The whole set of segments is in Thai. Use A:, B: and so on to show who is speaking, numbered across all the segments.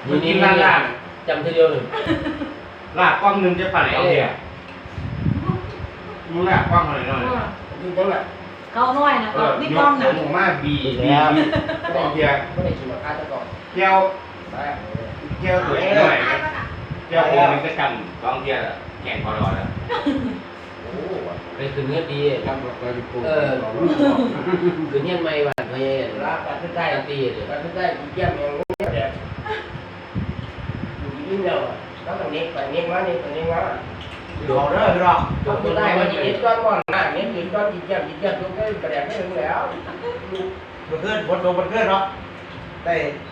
A: นี่ล่างจำทีเดียวหนึ่งลากกล้องนึงจะปั่นเอาเดียวมึงลากกล้องหน่อยดูบ้างแหละ
B: เขาน้อยนะพี่กล้องนะ
A: ผมมาบีกล้องเดียวไม่ได้ชิมข้าวจะก่อนเที่ยวตัวหน่อยเที่ยวผมมันจะจำกล้องเดียวแข่งพอรอแล้วไปคืนเงินดีทำแบบไปปูคืนเงินไม่หวานไม่รับการขึ้นได้ตีเลยการขึ้นได้ดีเยี่ยมอย่างนี้เด็ดอยู่ยิ่งเดียวแล้วตรงนี้ไปนี้มานี่ตรงนี้มาดูเอาเด้อพี่น้องจบได้วันนี้ก้อนก่อนนะนี้กินก้อนดีเยี่ยมตรงนี้กระแดกไม่ถึงแล้วมันขึ้นบนลงมันขึ้นเนาะได้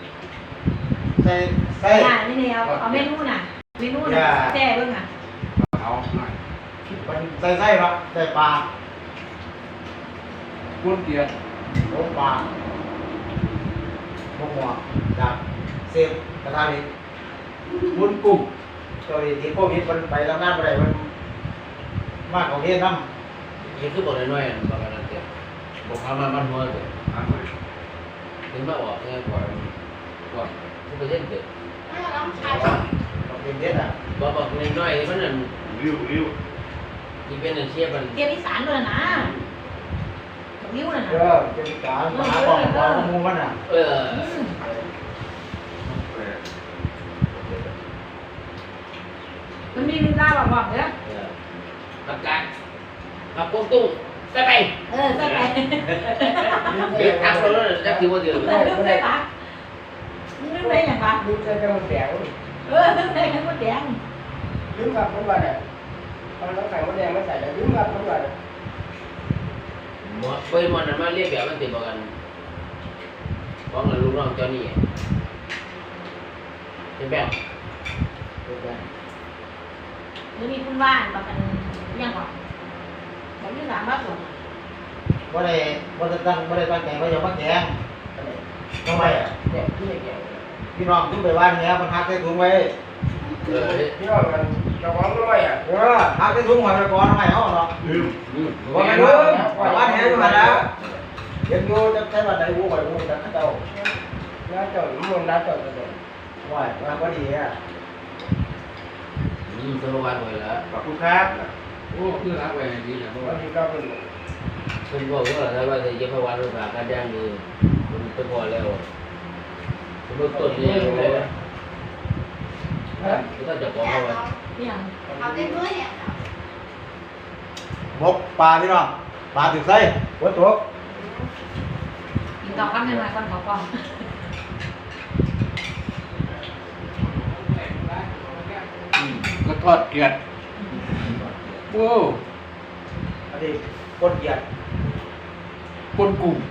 B: นี่เนี่ยเอาเมนูน่ะแจ่เบิ่งอ่ะ
A: เอาหน่อย
C: ใส่ครับใส่ปลา
A: กุ้งเกี๊ยว
C: ลงปลาหัวจากเซฟกระทะนี้วุ้นกุ้งตัวนี้ที่โควิดมันไปทำงานอะไรมันมากกว่าเวียดนาม
A: นี่คือบอกน้อยๆบอกกันนั่นเดียวบอกพามาบ้านหัวเลยถึงมาออกเนี่ยก่อนทุกประเทศเด็ด
C: บอกเป็นเด็ดอ่ะ
A: บอกน้อยๆมันนั่นริ้วที่เป็นเชียบมัน
B: เกี่ยวอีสานเลยนะริ้วน่ะนะ
C: เป็นการหาของเรามูมันอ่ะ
B: มันมีลีลาบอกเด้อ
A: ประกาศมาปุ้งตุ้งใส่ไป
B: ใส่ไป
A: เด็กทักเราแล้วจะถือว่าเดือด
B: ใส่ปะนึกได้ยังปะ
A: นึกได้จะมันแดง
B: นึกได้แค่มันแดง
A: ลืมกับมันว่าเนี่ยตอนเราใส่มันแดงไม่ใส่แต่ลืมกับมันว่าเนี่ยเปิดมันนั้นมาเรียกแบบมันติดกันฟ้องกับลูกน้องเจ้านี่เป็นแบบ
B: หรือมีคุณว่านบอกกันยังก่อนผมยังถามว่าส่วน
C: ว่าได้ตั้งใจว่าจะมาแกงทำไมอ่ะพี่น้องทุกไปบ้านเนี้ยมันหักใส่ถุงไว้
A: พี่น้องมันจะฟ้องด้วยอ่ะ
C: หักใส่ถุงไว้ไปก่อนทำไมเขาเนาะว่าไงลูกบ้านเนี้ยอยู่มาแล้วเห็นอยู่จะใช้บัตรใดวูไปวูจะเจ้า
A: น้าเจ้ามันน้าเจ้าจะโดน
C: ว่ามันก็ดีอ่ะ
A: สโลวันเลยแล้ว
C: ขอบคุณครับ
A: โอ้คือรักไว้ดีนะเพราะว่าที่ก็เป็นบอกว่าถ้าว่าจะเย็บพวันรูปแบบการย่างดีมันเป็นพอแล้วมันต้นนี้เลยนะถ้าจะขอเขา
B: เนี่ย
D: เอาเต็มมือเนี่ย
C: มกปลาพี่น้องปลาถึงไส้หัวตัว
B: กินต่อคำหนึ่งมาก่อนขอก่อน
A: ก็ทอดเกลียดโอ้
C: อันนี้ก้นเกียด
A: ก้นกุ้ง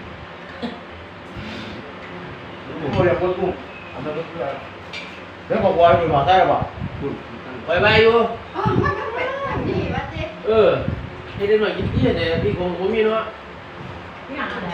C: โอ้ยก้นกุ้งอันนั้นก็คือเรื่องบอกว่าอยู่หอใต้หรือเปล่า
A: ไปอยู่
D: อ๋อมันก็เป็นแบบนี้วะเจ๊
A: ให้ได้หน่อยกินที่เนี่ยพี่คงมีเนาะ
B: นี่อะไร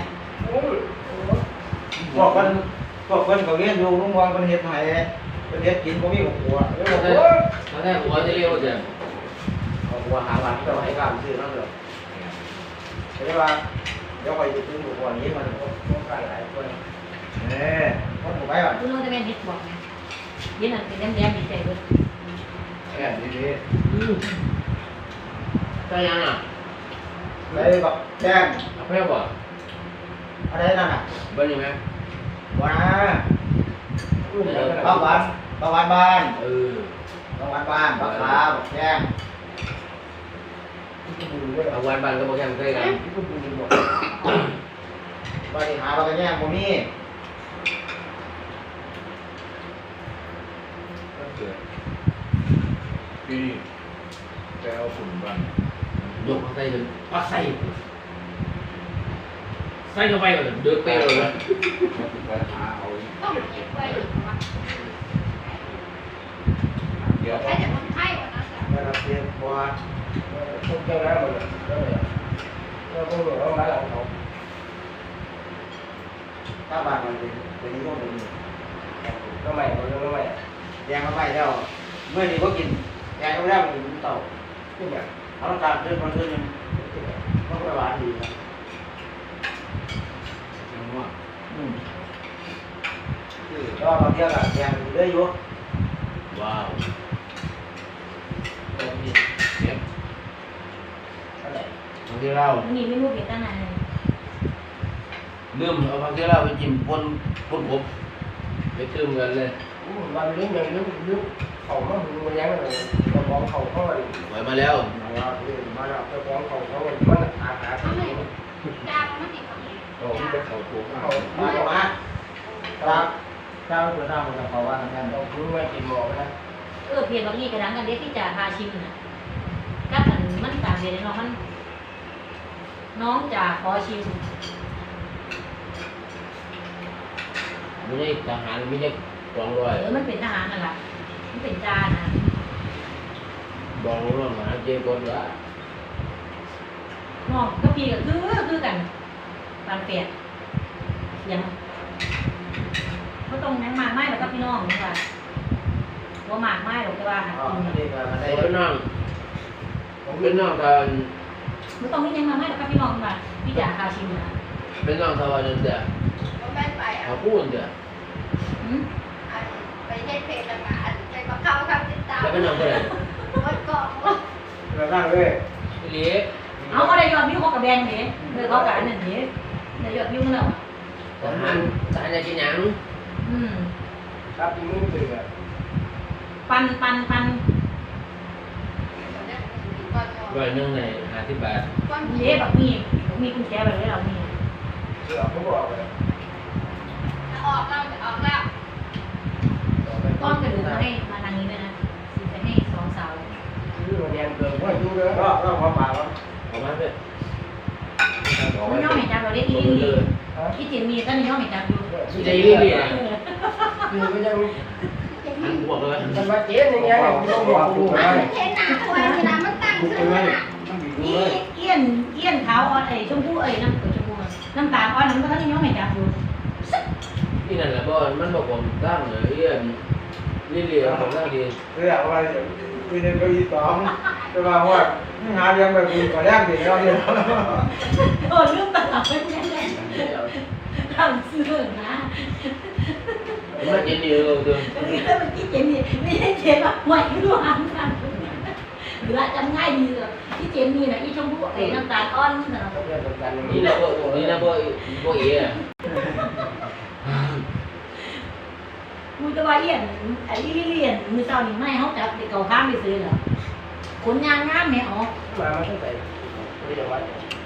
C: พวกคนเขาเลี้ยงอยู่ลุงวางเป็นเห็ดไห่เป็นเห็ดกินก็มีของหัว
A: ถ้าได้หัวจะเรียกว่าจะ
C: หัวหาหลังจะให้การซื้อนั่นเลยใช่ป่ะเดี๋ยวไปจะซื้อหัวนี้มันต้องการหลายคนคนถูกไหมอ่ะ
B: คุณรู้จะเป็นเห็ดบอกไงยี่นั่นเป็นแดงๆดีใจเลย
C: แค่นี้
A: ใช่ยังอ่ะ
C: อะไรแบบแดง
A: เพื่อบ่
C: อะไรนั่นอ่ะ
A: เบิ้ลยังไง
C: ว้าข้าวหวานบ้านข้าวหวานบ้านบักขาบักแดง
A: เอาวันบ้านก็บอกแค่เคยกัน
C: บริหารเราก็แย่งโมมี่
E: พี่ไปเอาฝุ่นบ้าง
A: ยกใส่ถึงปักใส่เข้าไปก่อนเดือดเปรี้ยวเลย
E: ไปหาเอา
D: ต้องเก็บไว้
E: เดี๋ยว
D: ใช้แต่คนไข้วันนั้นแหละ
C: เราเตรียมตัว
A: พวกเจ้าหน้าหมดเลยแล้วพวกเราเอามาเอาเขา
C: ถ้าบ้านมันเป็นนี้ก็เป็น
A: ก็ไม่ก็ไม่
C: แดงก็ไม่แล้วเมื่อนี้ก็กินแดงก็ได้มันกินเต่าขึ้นแบบเอาน้ำตาลขึ้นมันขึ้นยังก็ไปหวานดีนะ
E: ยังว่า
C: ที่ก็บางทีก็แกงเรื่อยอยู่
A: ว้าวตรงนี้เก็บ
C: อะไร
A: บางทีเรา
B: วันนี้ไม่รู้เกี่ยวกับไหน
A: ลืมเอาบางทีเราไปจิ้มปนกบไปตื้มกันเลย
C: วันนี้ยังลึกเขามาดูมันยังเลยกระป๋องเขาเขาเลย
A: ไหวมาแล้ว
C: มาแล้วกระป๋องเขาเขามันอาหาร
D: ทำไมจางมันติดของ
A: โอ้ยเป็นเขาถูก
C: เขามาครับเจ้าตัวหน้ามันจะเขาว่าทำงานเราคุ้นว่ากินหมอนะ
B: เพียงบางทีกระดังกันเด็กที่จะพาชิมน่ะกับมันต่างเดียวน้องมันน้องจะขอชิม
A: ไม่ใช่ทหารไม่ใช่กองร้อย
B: มันเป็นทหารนั่นแหละมันเป็นจานะ
A: บองร้อยมาเจ๊คนละ
B: น้องก็พี่ก็คือกันปานเปียกเสียงเขาต้องยังมากไม้แล้วก็พี่น้องนี่ค่ะว่ามากไม้หรอกแต่ว่าหา
C: อ๋อ
B: กิน
C: นี่ก็มาได้
A: เป็นน้องผมเป็นน้องกัน
B: ไม่ต้องนี่ยังมาไม้แล้วก็พี่น้องค่ะพี่จ๋าพาชิมนะ
A: เป็นน้องทวารเดียว
D: มันไม่ไป
A: เขาพูดเดียว
D: ไปเฮ็ดเพลงต่างๆไปมาเข้าทำติดตาม
A: แล้วเป็นน้องคนไหน
D: วัดเกาะ
C: เรานั่งเลย
A: เลี้ย
B: เอาก็ได้ยอดวิวเขากับแบงค์เด้เลยเขากับอันนั้นเด้ได้ยอดวิวแล้ว
A: ทหารจะกินยัง
C: ครับที่มือถือ
B: ปัน
A: ร้อยนึงใน50 บาท
B: เด้แบบมีกุญแจแบบนี้เรามี
C: เสือเขาบอกเลย
D: ออกแล้วออกแล้ว
B: ก้อนกระดูกมาให้มาทางนี้ด้วยนะซื้อไปให้สองสาว
C: ชื่อโรงเรียนเกิดว่าอยู่เลยก็มาป่าแล้ว
A: ออกมาเพื่อน
B: มันย่อมเห็นจับเราเรียกอีลี่ที่เจนมีก็ย่อมเห็นจับอยู่
A: ที่ใจรีบๆนะ
C: คือก็ยัง
A: หันบวกเลย
C: มันมาเจ๊ยังไงต้องบอกกู
D: มั
C: นะ
D: นเห็นหน้าควายเวลามันตั้งขึ้นมา
B: อีเอี้ยนขาวอ่อนชมพูน้ำชมพูน้ำตาลอ่อนนั้นก็ท่านย่อมเห็นจับอยู่
A: นี่นั่นแหละบ่มันบอกผมตั้งเลยนี่เรียกผมตั้งดี
C: เรื่องว่าคุยในเก้าอี้สองจะมาว่าหาเรื่องแบบนี้ก็แรกดีแล้วเนี่ย
B: โดนเรื่องตลาดไม่แน่ทำเสื่อนะ
A: มันจะดีเลยตัว
B: แล้วมันที่เจนนี่ไม่ใช่เจนแบบไหวรู้หันกันหรือจำง่ายดีเลยที่เจนนี่นะอีชมพูน้ำตาลอ่อนนะ
A: นี่นะบ่เอ๋
B: มึงจะว่าเอี้ยนไอ้เลี่ยนมือเจ้านี่ไม่เขาจับเด็กเก่าข้ามไปซื้อเหรอขนยางงามไหมอ๋อ
C: มาตั้งแต่ไม่ได้วัด